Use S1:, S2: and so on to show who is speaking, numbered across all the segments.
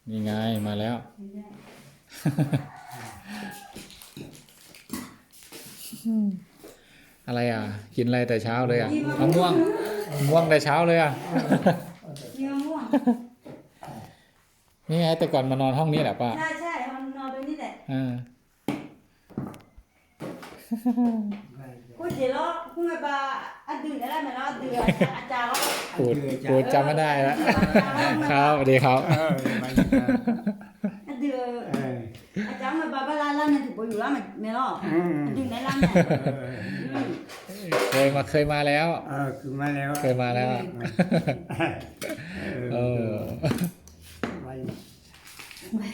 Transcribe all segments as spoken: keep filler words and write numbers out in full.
S1: นี่ไงมาแล้ว อะไรอ่ะกินอะไรแต่เช้าเลยอ่ะมะม่วงมะม่วงแต่เช้าเลยอ่ะ
S2: มีมะม่วง
S1: นี่ไงแต่ก่อนมานอนห้องนี้แหละป้า
S2: ใช่ใช่มันนอนตรงนี้แหละ
S1: อ่า
S2: กูเดี๋ยวเรากูไงบ้าอันดื่นอะไรไหมเราดื่นอาจารย์เรา
S1: ปูดปูดจำไม่ได้แล้วครับสวัสดีครับ
S2: อันดื่นอาจารย์มาบ้าบ้าล้านล้านเนี่ยถูกไปอยู่แล้วไหมไม่รอดอันดื่นในร้านเนี่ย
S1: เคยมาเคยมาแล้ว
S3: เออคือมาแล้ว
S1: เคยมาแล้วเออ
S3: ไป
S2: ไป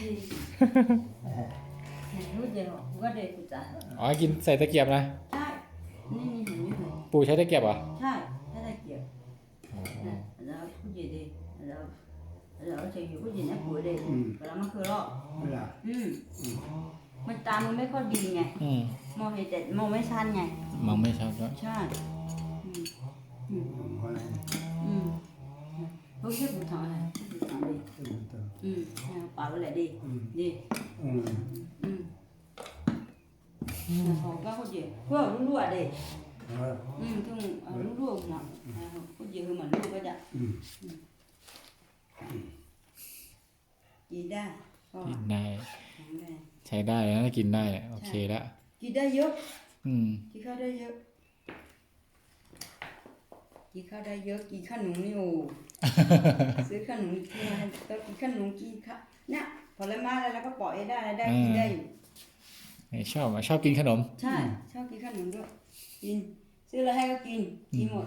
S2: รู้เดี๋ยวกูก็เด็กกูจ่าย
S1: อ๋อกินใส่ตะเกียบนะ
S2: ใช่นี่นี่เห็นไหม
S1: ปู่ใช้ตะเกียบเหรอ
S2: ใช่ถ้าได้เกี่ยวแล้วกูเดี๋ยวแล้วแล้วจะอยู่กูเดี๋ยวนะกูเดี๋ยวแล้วมันคือรอ
S3: เวลา
S2: อืมมันตามันไม่ค่อยดีไง
S1: อืม
S2: มองเห็นแต่มองไม่ชัดไง
S1: มองไม่ชัดด้วย
S2: ใช่อืมอืม
S3: คนไหน
S2: อืมพวกที่ผมทำอะไรผมทำดี
S3: ตัว
S2: อืมป่าไปเลยดีดี
S3: อืม
S2: อืมเขาก็เขาเยอะพวกลูกๆอ่ะเด็ก
S3: เออ
S2: อืมถึงลูกๆนะเขาเยอะคือเหมือนลูกก็จะ
S3: อืม
S2: กินได้ก็
S1: กินได้
S2: แข็งแรง
S1: ใช้ได้แล้วกินได้โอเคแล้ว
S2: กินได้เยอะ
S1: อืม
S2: กินข้าวได้เยอะกินข้าวได้เยอะกินขนมนี่โอ้ ซื้อขนมกินมาก็กินขนมกินข้าวเนี่ยผลไม้อะไรแล้วก็ปล่อยได้ได้กินได้อยู่
S1: ไม่ชอบอ่ะชอบกินขนม
S2: ใช่ชอบกินขนมด้วยกินซื้ออะไรให้ก็กินกินหมด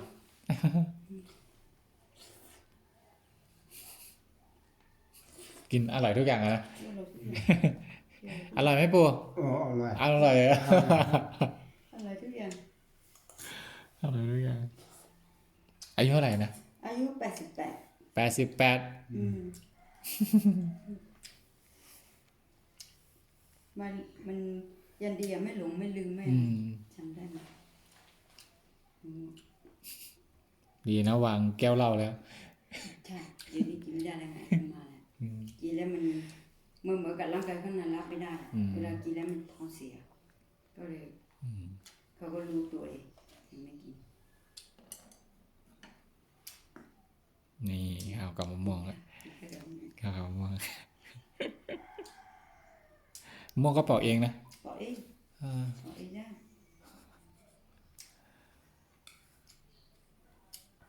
S1: กินอร่อยทุกอย่างอะนะ
S2: ซื้อเราซื้อ
S1: อร่อยไหมปู่
S3: โอ้อร่อย
S1: อร่อยอะ
S2: อะไรทุกอย่าง
S1: อร่อยทุกอย่างอายุเท่าไหร่นะ
S2: อายุแปดสิบแปด
S1: แปดสิบแปด
S2: อืมมันมันยันดีอะไม่หลงไม่ลืมไม่
S1: อืม
S2: จำได้ไหมอืม
S1: ดีนะวางแก้วเหล้าแล้ว
S2: ใช่เดี๋ยวนี้กินไม่ได้แล้วไงขึ้นมาแล้ว
S1: อืม
S2: กินแล้วมันมันเหมือนกับร่างกายข้างในรับไม่ได้
S1: อืม
S2: เวลากินแล้วมันท้องเสีย ก็เลย
S1: อืม
S2: เขาก็รู้ตัวเองถึงไม่กิน
S1: นี่ข้าวกับมะม่วงแล้ว
S2: ก็เลยไม่
S1: ข้าวกับมะม่วงมะม่วงก็เปอกเองนะ
S2: บอกเอง
S1: อ่า
S2: บอก